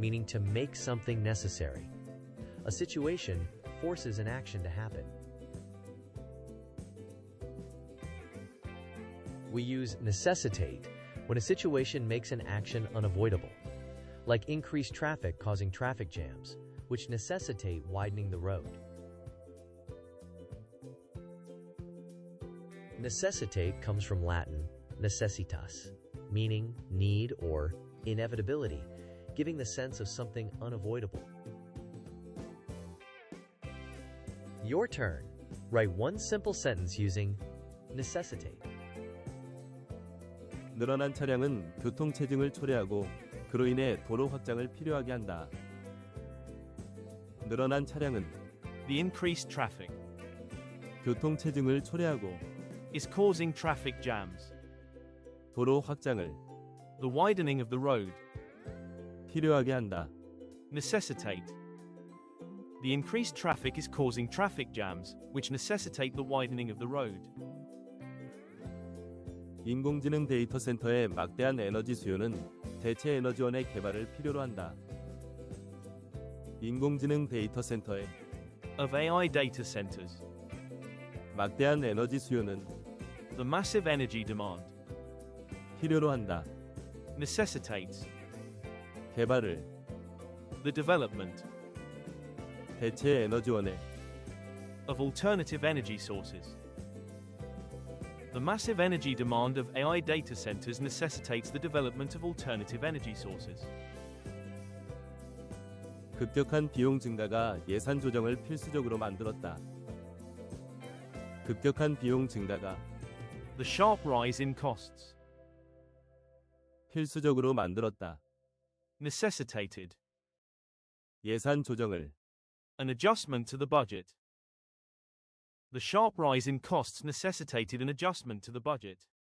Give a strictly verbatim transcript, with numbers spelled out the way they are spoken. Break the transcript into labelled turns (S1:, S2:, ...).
S1: meaning to make something necessary. A situation forces an action to happen. We use necessitate when a situation makes an action unavoidable, like increased traffic causing traffic jams, which necessitate widening the road. Necessitate comes from Latin necessitas, meaning need or inevitability, giving the sense of something unavoidable. Your turn. Write one simple sentence using necessitate.
S2: 늘어난 차량은 교통체증을 초래하고 그로 인해 도로 확장을 필요하게 한다. 늘어난 차량은
S3: The increased traffic
S2: 교통체증을 초래하고
S3: is causing traffic jams.
S2: 도로 확장을
S3: The widening of the road
S2: 필요하게 한다.
S3: necessitate. The increased traffic is causing traffic jams, which necessitate the widening of the road.
S2: 인공지능 데이터 센터의 막대한 에너지 수요는 대체 에너지원의 개발을 필요로 한다. 인공지능 데이터 센터의
S3: Of A I data centers.
S2: 막대한 에너지 수요는
S3: The massive energy demand
S2: 필요로 한다.
S3: necessitates
S2: 개발을
S3: the development
S2: 대체 에너지원의
S3: of alternative energy sources. The massive energy demand of A I data centers necessitates the development of alternative energy sources.
S2: 급격한 비용 증가가 예산 조정을 필수적으로 만들었다. 급격한 비용 증가가
S3: The sharp rise in costs
S2: 필수적으로 만들었다.
S3: necessitated
S2: 예산 조정을
S3: an adjustment to the budget. The sharp rise in costs necessitated an adjustment to the budget.